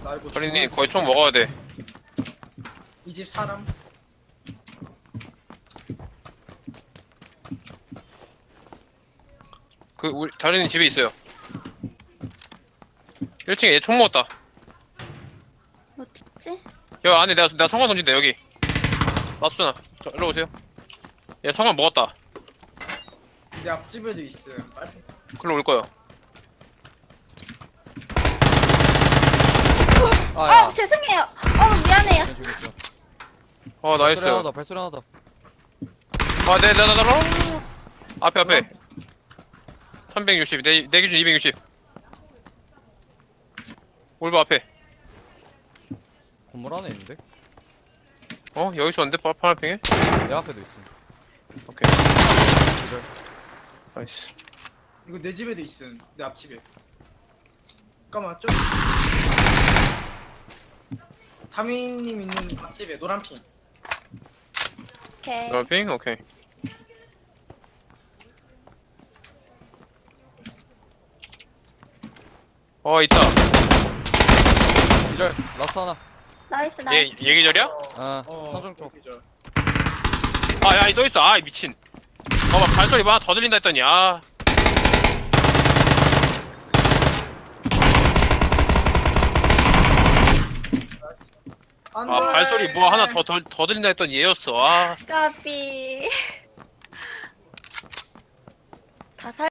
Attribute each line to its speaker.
Speaker 1: 나 이거
Speaker 2: 저리님 거의 총 먹어야 돼.
Speaker 1: 이 집 사람.
Speaker 2: 그 우리 다리님 집에 있어요. 1층에 얘 총 먹었다.
Speaker 3: 어딨지?
Speaker 2: 여기 안에 내가 성광 던진다 여기. 맞수잖아. 저 일로 오세요. 얘 성광 먹었다.
Speaker 1: 내 앞집에도 있어요. 빨리.
Speaker 2: 글로 올 거야.
Speaker 3: 아 죄송해요. 미안해요.
Speaker 2: 아 나이스.
Speaker 4: 발소리 하나 더, 발소리 하나 더.
Speaker 2: 아 네. 앞에 360 내 기준 260. 올바 앞에.
Speaker 4: 건물 안에 있는데?
Speaker 2: 여기 있었는데 파란핑에?
Speaker 4: 내 앞에도 있어.
Speaker 2: 오케이.
Speaker 4: 기절.
Speaker 2: 나이스.
Speaker 1: 이거 내 집에도 있음. 내 앞집에. 잠깐만 좀. 타미님 있는 앞집에 노란 핑.
Speaker 3: 오케이.
Speaker 2: 파란핑? 오케이. 있다.
Speaker 4: 기절. 라스트 하나.
Speaker 3: 나이스
Speaker 2: 얘
Speaker 3: 나이스.
Speaker 2: 기절이야?
Speaker 4: 선정 쪽.
Speaker 1: 그죠.
Speaker 2: 야, 또 있어. 미친. 막 발소리 막 더 들린다 했더니,
Speaker 1: 안 돼.
Speaker 2: 발소리 뭐 하나 더 들린다 했더니 얘였어.
Speaker 3: 까비. 다 살.